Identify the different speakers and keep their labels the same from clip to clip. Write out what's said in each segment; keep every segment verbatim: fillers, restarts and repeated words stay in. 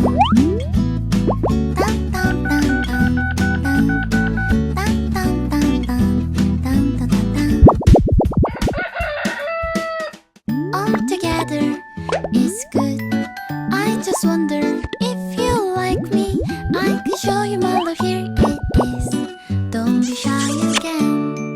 Speaker 1: All together is good. I just wonder if you like me. I can show you my love. Here it is. Don't be shy again.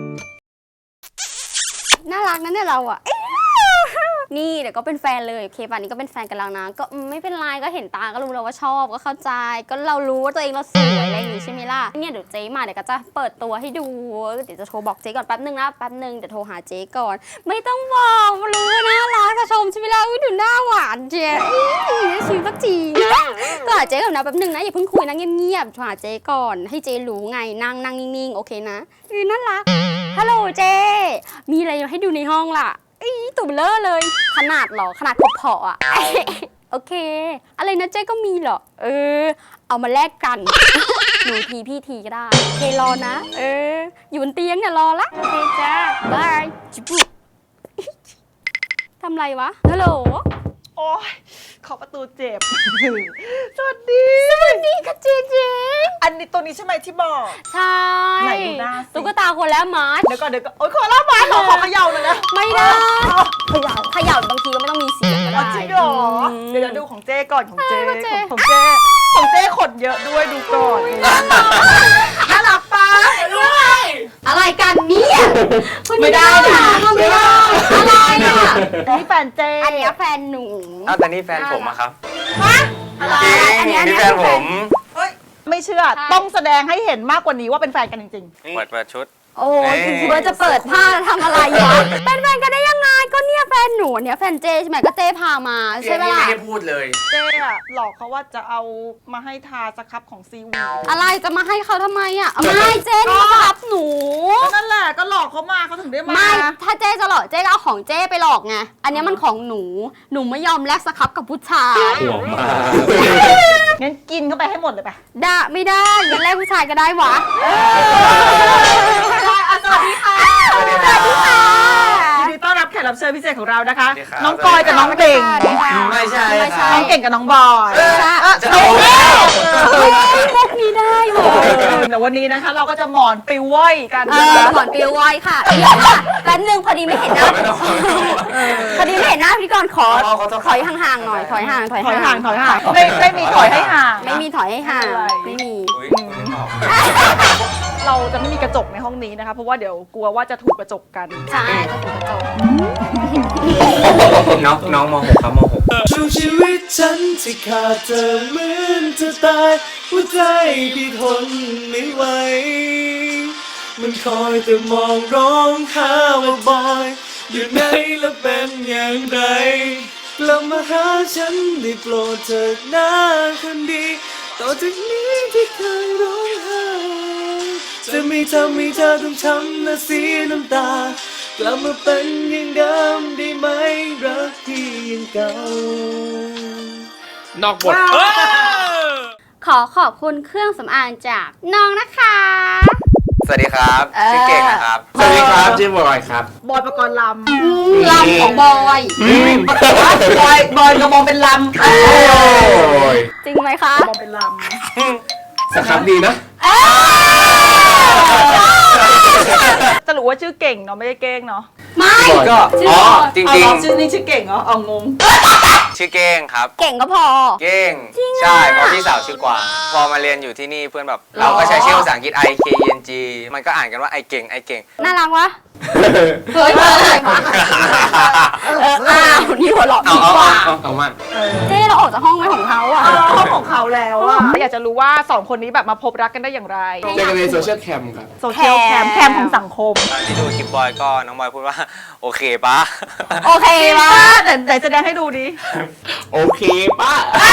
Speaker 2: น่ารักนะเนี่ยเราอะนี่เดี๋ยวก็เป็นแฟนเลยโอเคป่ะนี่ก็เป็นแฟนกันแล้วนะก็ไม่เป็นไรก็เห็นตาก็รู้แล้วว่าชอบก็เข้าใจก็เรารู้ว่าตัวเองเราสวยอะไรอย่างงี้ใช่ไหมล่ะเนี่ยเดี๋ยวเจ๊มาเดี๋ยวก็จะเปิดตัวให้ดูเดี๋ยวจะโทรบอกเจ๊ก่อนแป๊บนึงนะแป๊บนึงเดี๋ยวโทรหาเจ๊ก่อนไม่ต้องบอกรู้นะรักจะชมใช่ไหมล่ะอุ้ยดูหน้าหวานเจ๊ชิมสักทีก็หาเจ๊ก่อนนะแป๊บนึงนะอย่าเพิ่งคุยนะเงียบๆโทรหาเจ๊ก่อนให้เจ๊รู้ไงนั่งนั่งนิ่งๆโอเคนะอือน่ารักฮัลโหลเจ๊มีอะไรให้ดูในห้องล่ะอีตุ่มเลอะเลยขนาดหรอขนาดขบเพาะอ่ะ โอเคอะไรนะเจ๊ก็มีเหรอเออเอามาแลกกันหนูทีพี่ทีก็ได้โอเครอนะเอออยู่บนเตียงเนี่ยรอละโอเคจ้าบายจิบุทำไรวะฮัลโหล
Speaker 3: โอ้ยขอประตูเจ็บ สวัสดี
Speaker 2: สวัสดีค่ะเจ๊เจ๊
Speaker 3: อันนี้ตัวนี้ใช่ไหมที่บอก
Speaker 2: ใช่
Speaker 3: ไหนดูหน้าสิ
Speaker 2: ตุ๊กตาคนแล้วมาร์ช
Speaker 3: เดี๋ยวก่อนเดี๋ยวก่อนโอ๊ยขอเล่ามาขอขอเขย่าหน่อยนะ
Speaker 2: ไม่ได้เขย่าเขย่าบางทีก็ไม่ต้องมีเสียงก็
Speaker 3: อ๋อ
Speaker 2: ได้
Speaker 3: จริงเหรอ
Speaker 2: อืม
Speaker 3: เดี๋ยวเดี๋ยวดูของเจ้ก่อนของเจ้
Speaker 2: เออของเจ้
Speaker 3: ของของเจ้ขนเยอะด้วยดูก่อนน่ารักปะ
Speaker 2: อะไรกันเนี่ย
Speaker 3: ไม่ได้นะ
Speaker 2: ไม่ได้อะไรอ่ะ
Speaker 3: นี่แฟนเจ้
Speaker 2: อันเนี้ยแฟนหนู
Speaker 4: อ้าวแต่นี่แฟนผมอะครับ
Speaker 2: อะไร
Speaker 4: จริง
Speaker 2: อันเนี้ยอัน
Speaker 4: นี่
Speaker 2: เนี้ย
Speaker 4: แฟนผม
Speaker 3: เฮ้ยไม่เชื่อต้องแสดงให้เห็นมากกว่านี้ว่าเป็นแฟนกันจริง
Speaker 4: เปิดเปิดชุด
Speaker 2: โอ้ย
Speaker 4: เอ๊ะ
Speaker 2: คิดว่าจะเปิดผ้าแล้วทำอะไรวะเป็นแฟนกันได้ยังไงก็เนี่ยแฟนหนูเนี่ยแฟนเจใช่ไหมก็เจพามาใช่ไหมล่ะ
Speaker 4: ไม่ได้พูดเลย
Speaker 3: ๆ เจ้อะหลอกเขาว่าจะเอามาให้ทาสครับของซีวี
Speaker 2: อะไรจะมาให้เขาทำไมอ่ะเอาไม่เจนี่มารับหนู
Speaker 3: ก็นั่นแหละก็หลอกเขามาเขาถึงได้มา
Speaker 2: ไม่ถ้าเจจะหลอกเจก็เอาของเจไปหลอกไงอันเนี้ยมันของหนูหนูไม่ยอมแลกสครับกับผู้ชาย
Speaker 5: ห่วงมาก
Speaker 3: งั้นกินเข้าไปให้หมดเลยไป
Speaker 2: ด่าไม่ได้งั้นแลกผู้ชายก็ได้วะ
Speaker 3: สวัสดีค่ะ
Speaker 4: สวัสดีค่ะ
Speaker 3: ยินดีต้อนรับแขกรับเชิญพิเศษของเรานะคะ
Speaker 4: สวัสดีครับ
Speaker 3: น้องกอยกับน้องเก่ง
Speaker 4: ไม่ใช่
Speaker 2: ไม่ใช่
Speaker 3: น้องเก่งกับน้องบอย
Speaker 4: จะเอา
Speaker 2: มุกนี้ได้วะ
Speaker 3: แต่วันนี้นะคะเราก็จะหมอนปลิวว่อยกัน
Speaker 2: เออก่อนเปียวไวค่ะเดี๋ยวค่ะแป๊บนึงพอดีไม่เห็นหน้า
Speaker 4: ไม่ต้อง
Speaker 2: พอดีไม่เห็นหน้าพี่กรณ์ขอ
Speaker 4: อ๋อขอโทษ
Speaker 2: ถอยห่างๆหน่อยถอยห่างถอย
Speaker 3: ถอยห่า
Speaker 2: ห่าง ง
Speaker 3: ถอยห่างไม่ไม่มีถอยให้ห่าง
Speaker 2: ไม่มีถอยให้ห่าง
Speaker 3: ไม่
Speaker 2: ไม่
Speaker 3: เป็นไร
Speaker 2: มี
Speaker 4: อุ๊ยคุณนึกออก
Speaker 3: เราจะไม่มีกระจกในห้องนี้นะคะ เพราะว่าเดี๋ยวกลัวว่าจะถูกกระจกกัน
Speaker 2: ใช่จะถูกกระจก
Speaker 4: น้องน้องมหกครับมหก
Speaker 5: ช่วงชีวิตฉันที่ขาดเธอเหมือนจะตายหัวใจพี่ทนไม่ไหวมันคอยแต่มองร้องหาว่าบอยอยู่ไหนและเป็นอย่างไรกลับมาหาฉันได้โปรดเถิดนะคนดีต่อจากนี้ที่เคยร้องไห้จะไม่ทำให้เธอต้องช้ำและเสียน้ำตากลับมาเป็นอย่างเดิมได้ไหมรักที่ยังเก่านอกบท
Speaker 2: ขอขอบคุณเครื่องสำอางจากน้องนะคะ
Speaker 4: สวัสดีครับ
Speaker 2: เออ
Speaker 4: ชื่อเก่งนะครับ
Speaker 5: สวัสดีครับชื่อบอยครับ
Speaker 3: บอยประกรณ์ล
Speaker 2: ลำของบอย
Speaker 3: ำบอยบอยกระมองเป็นลำ
Speaker 5: โอ้ย
Speaker 2: จริงไหมคะ
Speaker 3: มองเป็นลำ
Speaker 5: สครับดีนะ
Speaker 3: จะรู้ว่าชื่อเก่งเนาะไม่ได้เก้งเนาะ
Speaker 2: ไม่
Speaker 4: ก็
Speaker 2: ชื่อ
Speaker 4: อ๋อ
Speaker 2: บอย
Speaker 4: จริง
Speaker 3: เอาชื่อนี้ชื่อเก่งเหรอเอางง
Speaker 4: ๆ ชื่อเก้งครับ
Speaker 2: เก่งก็พอ
Speaker 4: เก้ง
Speaker 2: จริงอะ
Speaker 4: ใช่เพราะพี่สาวชื่อกวางพอมาเรียนอยู่ที่นี่เพื่อนแบบ เราก็ใช้ชื่อภาษาอังกฤษ I K E N G มันก็อ่านกันว่าไอเก่งไอเก่ง
Speaker 2: น่ารักวะเฮ้ยอะไรวะเอออ้าวนี่หัวเราะ
Speaker 4: เอา
Speaker 2: ดี
Speaker 4: เอา
Speaker 2: กว่า
Speaker 4: เอา
Speaker 5: เอามัน
Speaker 2: เจ๊เราออกจากห้องไว้ของเขาอ่ะ
Speaker 3: ห้องของเขาแล้วอะอยากจะรู้ว่าสองคนนี้แบบมาพบรักกันได้อย่างไร
Speaker 5: เจอกันในโซเชียลแคมครับ
Speaker 3: โซเชียลแคมแคมของสังคม
Speaker 4: ตอนที่ดูคลิปบอยก็น้องบอยพูดว่า โอเคปะ
Speaker 2: โอเคปะ
Speaker 3: แต่แต่แสดงให้ดูดิ
Speaker 5: โอเคป้า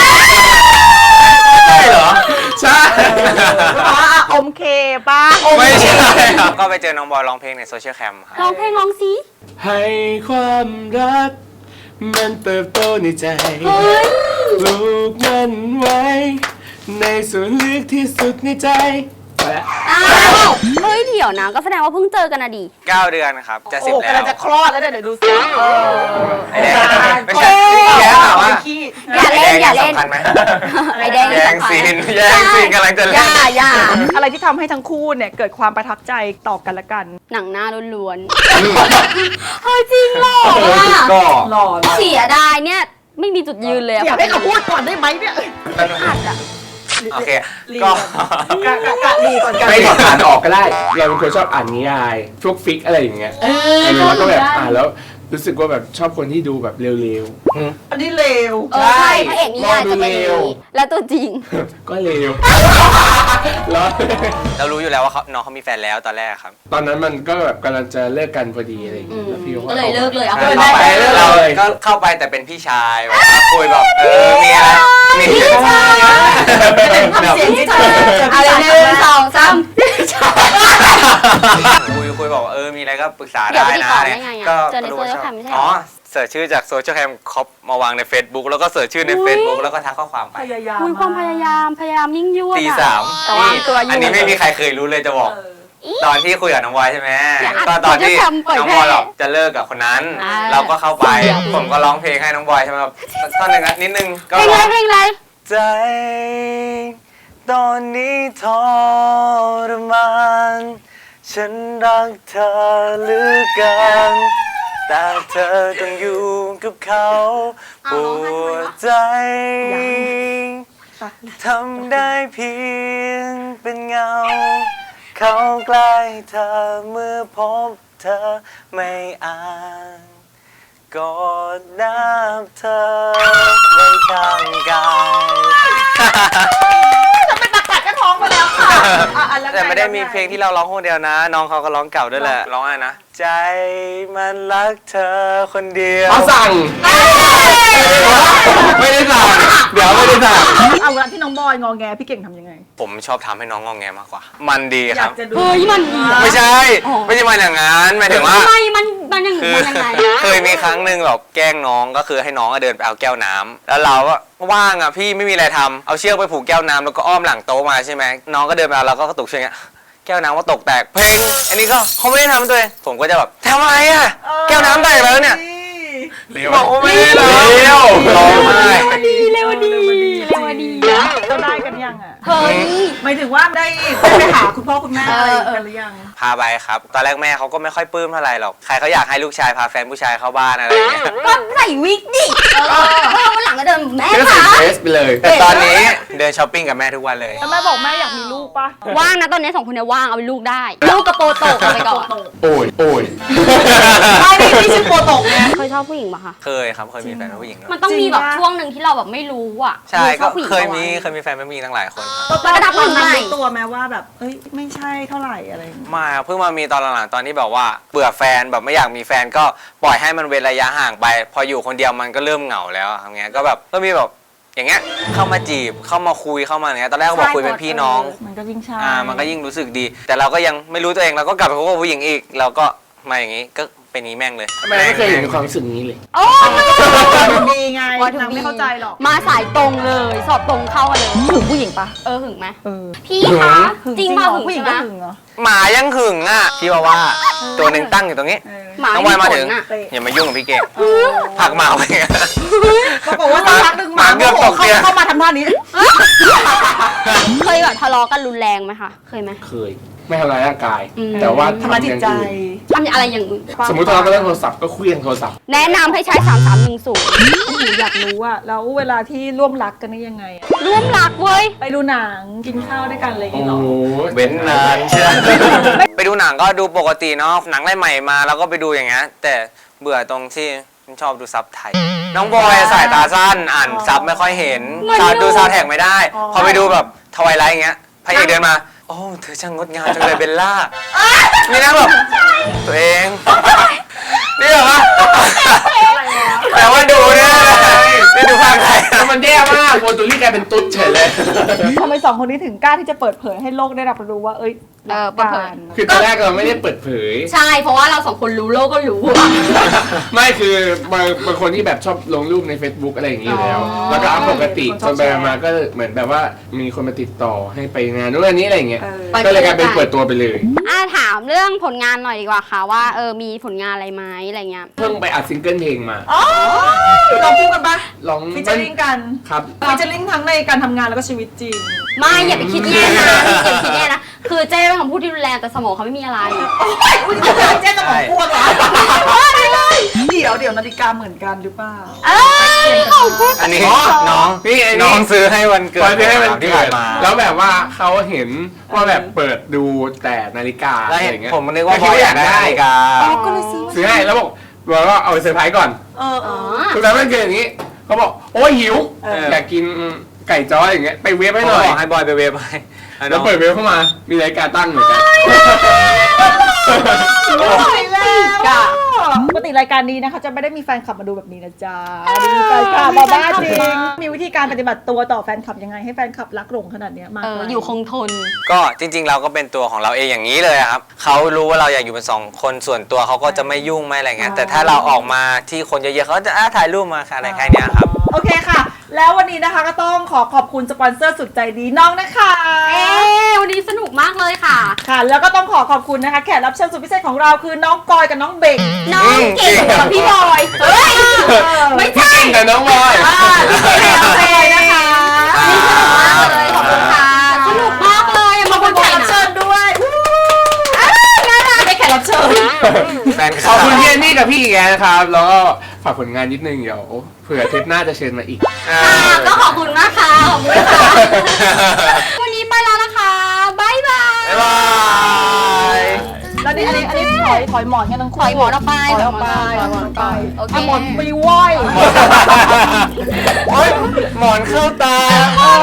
Speaker 4: ใช่เหรอ
Speaker 5: ใช่
Speaker 3: ว่าอมเคป้า
Speaker 4: ไม่ใช่ครับก็ไปเจอน้องบอยร้องเพลงในโซเชียลแคมครับ
Speaker 2: ร้องเพลงร้องสิ
Speaker 5: ให้ความรัก มันเติบโตในใจ
Speaker 2: เฮ้ย
Speaker 5: ปลูกมันไว้ ในส่วนลึกที่สุดในใจ
Speaker 6: มาแล้ว
Speaker 2: อ้าวเฮ้ยเดี๋ยวนะก็แสดงว่าเพิ่งเจอกันอะดิ
Speaker 4: เก้าเดือนครับจะสิบ
Speaker 3: โอ้
Speaker 4: แล้
Speaker 3: กำลัง
Speaker 4: ว
Speaker 3: จะคลอดแล้วเนี่ยเดี๋ยวดูสิเออ
Speaker 4: ไอ้แดงไม่ใช่แดงถามว่า
Speaker 3: ขี้
Speaker 2: อย่าเล่นอย่าเล่น
Speaker 4: สำคัญไหม
Speaker 2: ไอแดง
Speaker 4: แย่งซีนแย่งซีนกำลังจะ
Speaker 2: อ
Speaker 4: เล่น
Speaker 2: ย่าอย่า
Speaker 3: อะไรที่ทำให้ทั้งคู่เนี่ยเกิดความประทับใจต่อกันและกัน
Speaker 2: หนังหน้าล้วนๆเฮ้ยจริงเหรอวะ
Speaker 6: ก็
Speaker 3: หล่อ
Speaker 2: เสียดายเนี่ยไม่มีจุดยืนเลยอะ
Speaker 3: อยากให้เขาพูดก่อนได้ไหมเนี่ย
Speaker 2: อัดอะ
Speaker 4: โอเคก็
Speaker 3: กะกะกะดีก่อนกัน
Speaker 6: ไม่ถอดอ่านออกก็ได้ เราเป็นคนชอบอ่านนิยายพวกฟิกอะไรอย่างเงี้ยเออแล้วก็แบบอ่านแล้วรู้สึกว่าแบบชอบคนที่ดูแบบเร็ว
Speaker 3: อันนี้เลว
Speaker 2: เออใช่พระเอกนิยายจะเป็นอย่างนี้แล้วตัวจริง
Speaker 6: ๆ ก็เร็วแล้ว
Speaker 4: เรารู้อยู่แล้วว่าเขาน้องเขามีแฟนแล้วตอนแรกครับ
Speaker 6: ตอนนั้นมันก็แบบกำลังจะเลิกกันพอดีอะไรอย่างเงี้ยแล้วพี่
Speaker 2: ก็เลยเลิกเลยเอา
Speaker 6: เข้า
Speaker 2: ไป
Speaker 6: ไป
Speaker 2: เลย
Speaker 6: เลิก
Speaker 4: เรา
Speaker 6: เลย
Speaker 4: ก็เข้าไปแต่เป็นพี่ชายแบบว่าคุยแบบเออมีอะไรมีพี่ชาย
Speaker 3: ทำเสียงที่เธอ
Speaker 2: เอาเลยหนึ่งสองสาม
Speaker 4: คุยคุยบอกว่าเออมีอะไรก็ปรึกษา
Speaker 2: เดี๋ยว
Speaker 4: ได้
Speaker 2: ไปติด
Speaker 4: นะ
Speaker 2: ต่อ
Speaker 4: เนี่
Speaker 2: ได้
Speaker 4: ย
Speaker 2: ไงอะ
Speaker 4: ก็
Speaker 2: เจอใน
Speaker 4: รู้
Speaker 2: โซ
Speaker 4: ว่า
Speaker 2: เชีย
Speaker 4: ช
Speaker 2: ล
Speaker 4: อบ
Speaker 2: แคมไม่ใช่เหร
Speaker 4: อ๋
Speaker 2: อ
Speaker 4: อเสิร์ชชื่อจากโซเชียลแคมคอปมาวางใน Facebook แล้วก็เสิร์ชชื่อใน Facebook แล้วก็ทักข้อความไป
Speaker 3: พยายาม
Speaker 2: คุยความพยายามพยายามยิ่งยวด
Speaker 4: ตี
Speaker 2: อะ
Speaker 4: สาม
Speaker 2: แต่ว่า
Speaker 4: นี่
Speaker 2: ตัวอยู่
Speaker 4: อันนี้ไม่มีใครเคยรู้เลยจะบอก ตอนที่คุยกับน้องวายใช่ไหม
Speaker 2: อย่าอัด
Speaker 4: ก็ตอนที่
Speaker 2: โซเชียลแคมเปิด
Speaker 4: น้อง
Speaker 2: แพร่
Speaker 4: บอยแบบจะเลิกกับคนนั้น
Speaker 2: อ่า
Speaker 4: เราก็เข้าไป ผมก็ร้องเพลงให้น้องบอยใช่ไหมครับท่อนหนึ่งนะนิดนึงก็
Speaker 2: เพลง
Speaker 4: ร้
Speaker 2: ไร
Speaker 4: อง
Speaker 2: เพลงไร
Speaker 4: ใจตอนนี้ทรมานฉันรักเธอเหลือเกินแต่เธอต้องอยู่กับเขาปวดใจทำได้เพียงเป็นเงา เขาใกล้เธอเมื่อพบเธอไม่อ่านกอดนับเธอไว้ข้างกาย
Speaker 3: ตัดกระท้องไปแล้วค่ะอ่ะอ่ะล้วง
Speaker 4: แต่ไม่ได้มีเพลงที่เราร้องคนเดียวนะ น้องเขาก็ร้องเก่าด้วยแหละร้องอะไรนะใจมันรักเธอคนเดียว
Speaker 6: เขาสั่งไม่ได้สั่งเดี๋ยวไม่ได้สั่ง
Speaker 3: เอาเวลาที่น้องบอยงอแงพี่เก่งทำยังไง
Speaker 4: ผมชอบทำให้น้องงองแงมากกว่า มันดี
Speaker 3: อ
Speaker 4: ค
Speaker 3: ยา
Speaker 4: รั
Speaker 3: ก
Speaker 4: บ
Speaker 3: จะดู
Speaker 2: เฮ้ยมันดีอะ
Speaker 4: ไม่ใช่
Speaker 2: อ๋อ
Speaker 4: ไม่ใช่มาอย่างนั้นหมายถึงว่า
Speaker 2: ทำไมมันมันยังมันยังไง
Speaker 4: เคยมีครั้งหนึ่งแบบแกล้งน้องก็คือให้น้องอะเดินไปเอาแก้วน้ำแล้วเราก็ว่างอ่ะพี่ไม่มีอะไรทำเอาเชือกไปผูกแก้วน้ำแล้วก็อ้อมหลังโต๊ะมาใช่ไหมน้องก็เดินมาเราก็กระตุกเชือกอย่างเงี้ยแก้วน้ำก็ตกแตกเพลงอันนี้ก็เขาไม่ได้ทำตัวเองผมก็จะแบบทำไมอ่ะแก้วน้ำแตกแล้วเนี่ยบอกว่าไม่ได้ทำ
Speaker 6: เร็ว
Speaker 4: ร้องไห้
Speaker 2: ดีเร็วดีเร็วดีนะ
Speaker 3: เราได้กันยังอ่ะ
Speaker 2: เฮ้ย
Speaker 3: หมายถึงว่าได้ไปหาคุณพ่อคุณแม่อะไรกันหรือยัง
Speaker 4: พาไปครับตอนแรกแม่เขาก็ไม่ค่อยปลื้มเท่าไหร่หรอกใครเขาอยากให้ลูกชายพาแฟนผู้ชายเข้าบ้านอะไรอย่างเงี้ย
Speaker 2: ก็ใส่วิกดิเออวันหลังก็เดินแม่
Speaker 6: ก็ใส่
Speaker 2: คะ
Speaker 6: เดรสไปเลย
Speaker 4: แต่ตอนนี้เดินช้อปปิ้งกับแม่ทุกวันเลย
Speaker 3: แล้วแม่บอกแม่อยากมีลูกปะ
Speaker 2: ว่างนะตอนนี้สองคนเนี่ยว่างเอาเป็นลูกได้ ลูกกระโปรงโตกเอาไปก่อน
Speaker 6: โอ้ยโอ้ย
Speaker 3: ไม่นี่ไม่ชื่อโปรตกไง
Speaker 2: เคยชอบผู้หญิงปะคะ
Speaker 4: เคยครับเคยมีแฟนเป็นผู้หญิงด้วย
Speaker 2: มันต้องมีแบบ
Speaker 3: จริงปะ
Speaker 2: ช่วงหนึ่งที่เราแบบไม่รู้อ่ะ
Speaker 4: ใช่
Speaker 2: ช
Speaker 4: ก็
Speaker 2: อบผู้หญิง
Speaker 4: เคย
Speaker 2: ปะวะ
Speaker 4: มีเคยมีแฟนเป็นผู้หญิงตั้งหลายคนครับ
Speaker 3: ตอน
Speaker 2: ระดับ
Speaker 3: ตอนนั้น
Speaker 2: ใหม่
Speaker 3: รู้ตัวไหมว่าแบบเอ้ยไม่ใช่เท่าไหร่อะไรอย่างเงี้ย
Speaker 4: ไมาเพิ่งมามีตอนหลังๆตอนที่แบบว่าเบื่อแฟนแบบไม่อยากมีแฟนก็ปล่อยให้มันเว้นระยะห่างไป พออยู่คนเดียวมันก็เริ่มเหงาแล้วทำเงี้ยก็แบบก็มีแบบอย่างเงี้ยเข้ามาจีบเข้ามาคุยเข้ามาอย่างเงี้ยตอนแรกก็บอกคุยเป็นพี่น้อง
Speaker 3: มันก็ยิ่งใช่
Speaker 4: อ่ามันก็ยิ่งรู้สึสึกดี แต่เราก็ยังไม่รู้ตัวเองเราก็กลับไปคบกับผู้หญิงอีก เราก็มาอย่างงี้ก็เป็นนี้แม่งเลย
Speaker 6: ทำไมไม่เคยเห็นความรู้สึกนี้เลย
Speaker 2: โอ้
Speaker 3: ดีไง
Speaker 2: ว่าถึง
Speaker 3: นางไม่เข้าใจหรอก
Speaker 2: มาสายตรงเลย สอบตรงเข้ากันเลย
Speaker 3: หึงผู้หญิงปะ
Speaker 2: เออหึงไหม
Speaker 3: เออ
Speaker 2: พี่คะ
Speaker 3: หึง
Speaker 2: จริง
Speaker 3: เห
Speaker 2: ป่ะ
Speaker 3: รอ
Speaker 2: หึง
Speaker 3: ผู้หญิง
Speaker 2: ใช่
Speaker 3: ก็
Speaker 2: ไหม
Speaker 3: หึงเหรอ
Speaker 4: หมายังหึงอ่ะพี่ว่าว่าตัวหนึ่งตั้งอยู่ตรงนี้
Speaker 3: เออ
Speaker 2: หมา
Speaker 4: น้องวายมาถึง
Speaker 2: ขนอะ
Speaker 4: อย่ามายุ่งกับพี่เก่งผลักหมาไป
Speaker 3: ปรากฏว่าสักพักหนึ่งหมา
Speaker 4: หมาเกือบ
Speaker 3: โมโห
Speaker 4: ตกเตียง
Speaker 3: เข้ามาทำท่านี้
Speaker 2: เคยแบบทะเลาะกันรุนแรงไหมคะ เคยไหม
Speaker 6: เคย ไม่ทำร้ายร่างกาย
Speaker 2: อืม
Speaker 6: แต่ว่า
Speaker 3: ทำร้ายจิตใจ
Speaker 6: อย่างอื่น
Speaker 2: ทำอะไรอย่างอื่น
Speaker 6: สมมติทะเลาะกันเรื่องโทรศัพท์ก็เคลี้ยงโทรศัพท์
Speaker 2: แนะนำให้ใช้สามสามหนึ่งศูนย์
Speaker 3: หนูอยากรู้อะแล้วเวลาที่ร่วมรักกันนี่ยังไงอะ
Speaker 2: ร่วมรักเว้ย
Speaker 3: ไปดูหนังกินข้าวด้วยกันอะไรอย่าง
Speaker 6: โอ้
Speaker 3: เงี้ยเหรอ
Speaker 6: โห
Speaker 4: เว้นนานใช่ไหมไปดูหนังก็ดูปกติเนาะหนังใหม่ๆมาเราก็ไปดูอย่างเงี้ยแต่เบื่อตรงที่ชอบดูซับไทย น้องบอยสายตาสั้นอ่านซับไม่ค่อยเห็น
Speaker 2: เหมือน
Speaker 4: ซาว
Speaker 2: อยู่
Speaker 4: ดูซาวแท็กไม่ได้ พอไปดูแบบทวายไลท์อย่างเงี้ยพระเอกเดินมาโอ้เธอช่างงดงามจังเลยเบลล่านี่นะแบบตัวเองนี่เหรอวะแต่ว่าดูเนี่ยไม่ดูภาคไทย
Speaker 6: แล้วมันแย่มากโปรตุลี่กลายเป็นตุ๊ดเฉยเลย
Speaker 3: ทำไมสองคนนี้ถึงกล้าที่จะเปิดเผยให้โลกได้รับรู้ว่า เอ้ย
Speaker 2: เออเปิดเผย
Speaker 6: คือตอนแรกเราไม่ได้เปิดเผย
Speaker 2: ใช่ เพราะว่าเราสองคนรู้โลกก็รู้
Speaker 6: ไม่คือบางบางคนที่แบบชอบลงรูปใน Facebook อะไรอย่างนี้อยู่แล้ว
Speaker 3: อ๋อ
Speaker 6: แล้วก็อัพปกติ
Speaker 3: คนช
Speaker 6: จ
Speaker 3: อบ
Speaker 6: นไป
Speaker 3: แชร์
Speaker 6: มาก็เหมือนแบบว่ามีคนมาติดต่อให้ไปงานนู้นอันนี้อะไรอย่างเงี้ย
Speaker 3: เออ
Speaker 2: ไป
Speaker 6: ก็เลยกลายเป็นเปิดตัวไปเลย
Speaker 2: อ่าถามเรื่องผลงานหน่อยดีกว่าค่ะว่าเออมีผลงานอะไรไหมอะไรเงี้ย
Speaker 6: เพิ่งไปอัดซิงเกิลเพลงมา
Speaker 3: อ๋อลองพูดกันปะ
Speaker 6: ลอง
Speaker 3: ฟิชเจอริงกัน
Speaker 6: ครับ
Speaker 3: ฟิชเจอริงทั้งในการทำงานแล้วก็ชีวิตจริง
Speaker 2: ไม่อย่าไปคิดแย่นะอย่าไปคิดแย่นะคือเจ้เป็นคำพูดที่รุนแรงแต่สมองเขาไม่มีอะไร
Speaker 3: อุ้ยเจ๊สมองกวนเหรอเดี๋ยวเดี๋ยวนาฬิกาเหมือนกันหรือเปล่า
Speaker 2: เอ้ยของพูด
Speaker 4: อันนี้
Speaker 6: อ๋อ
Speaker 4: น้อง
Speaker 6: นี่ไอ้นี่
Speaker 4: น้องซื้อให้วันเกิด
Speaker 6: ตอนที่ให้มัน
Speaker 4: ที่
Speaker 6: เกิ
Speaker 4: ผ่า
Speaker 6: ด
Speaker 4: นมา
Speaker 6: แล้วแบบว่าเขาเห็นว่าแบบเปิดดูแต่นาฬิกา
Speaker 4: แล้ว
Speaker 6: อะไร
Speaker 4: เห็
Speaker 6: อน ย่างเงี้ย
Speaker 4: ผมนึกว่า
Speaker 6: คิดว่าอยากได้
Speaker 4: นาฬิกา
Speaker 3: ก็เลยซื้อ
Speaker 6: ซื้อให้แล้วบอกบอกว่าเอาไปเซอร์ไพรส์ก่อน
Speaker 3: เออเอ
Speaker 2: อ๋อ
Speaker 3: อ
Speaker 6: สุดท้ายมันเกิดอย่างนี้เขาบอกโอ้ยหิว
Speaker 3: เออ
Speaker 6: อยากกินไก่จ้ออย่างเงี้ยไปเวฟให้
Speaker 4: ไม่
Speaker 6: ห
Speaker 4: ห
Speaker 6: น่
Speaker 4: น่
Speaker 6: อ
Speaker 4: อย ยให้บอยไปเวฟให้อ่ะ
Speaker 6: แล้ว
Speaker 4: น้อง
Speaker 6: เปิดเวฟเข้ามามีนาฬิกาตั้งเหมือนกัน
Speaker 3: ตายแล้วปกติรายการนี้นะคะจะไม่ได้มีแฟนคลับมาดูแบบนี้นะจ๊ะมีแฟนคลับมาบ้าจริง มีวิธีการปฏิบัติตัวต่อแฟนคลับยังไงให้แฟนคลับรักหลงขนาดเนี้ยมาก
Speaker 2: เออ
Speaker 3: มาย
Speaker 2: อยู่คงทน
Speaker 4: ก็จริง ๆ เราก็เป็นตัวของเราเองอย่างนี้เลยอะครับเขารู้ว่าเราอยากอยู่เป็นสองคนส่วนตัวเขาก็จะไม่ยุ่งไม่อะไรเงี้ยแต่ถ้าเราออกมาที่คนเยอะๆเขาจะอ่ะถ่ายรูปมาค่ะอะไรแค่เนี้ยครับ
Speaker 3: โอเคค่ะ แล้ววันนี้นะคะก็ต้องขอขอบคุณสปอนเซอร์สุดใจดีน้องนะคะ
Speaker 2: เอ๊ะวันนี้สนุกมากเลยค่ะ
Speaker 3: ค่ะ แล้วก็ต้องขอขอบคุณนะคะแขกรับเชิญสุดพิเศษของเราคือน้องกอยกับน้องเบก
Speaker 2: น้องเก่งกับพี่บอยเฮ้ยไม่ใช่
Speaker 6: เก่งกับน้องบอย
Speaker 2: อ่าพี่เก่งกับเฟยนะคะนี่สนุกมากเลยขอบคุณค่ะสนุกมากเลยมาบน
Speaker 3: แข
Speaker 2: ไข่
Speaker 3: กรับ
Speaker 2: นะ
Speaker 3: เชิญด้วยอ้าวน่ารักได้แขกรับเชิญ
Speaker 4: แฟน
Speaker 6: ขอบคุณพี่แอนนี่กับพี่อีกแกนะครับ แล้วก็ฝากผลงานนิดนึงเดี๋ยวเผื่อเทปหน้าจะเชิญมาอีก
Speaker 4: อ่า
Speaker 2: ค่ะก็ขอบคุณมากค่ะขอบคุณค่ะวันนี้ไปแล้วนะคะบ๊ายบาย
Speaker 4: บ๊ายบาย
Speaker 3: แล้วนี่อันนี้อันนี้ถอยถอยหมอนกันทั้งคู่
Speaker 2: ถอยหมอนออกไป
Speaker 3: ถอยออกไป
Speaker 2: ถอยหมอนออกไป โอเค
Speaker 3: ะหมอนไปไหว้
Speaker 4: โอ๊ยหมอนเข้าตา
Speaker 3: โอ้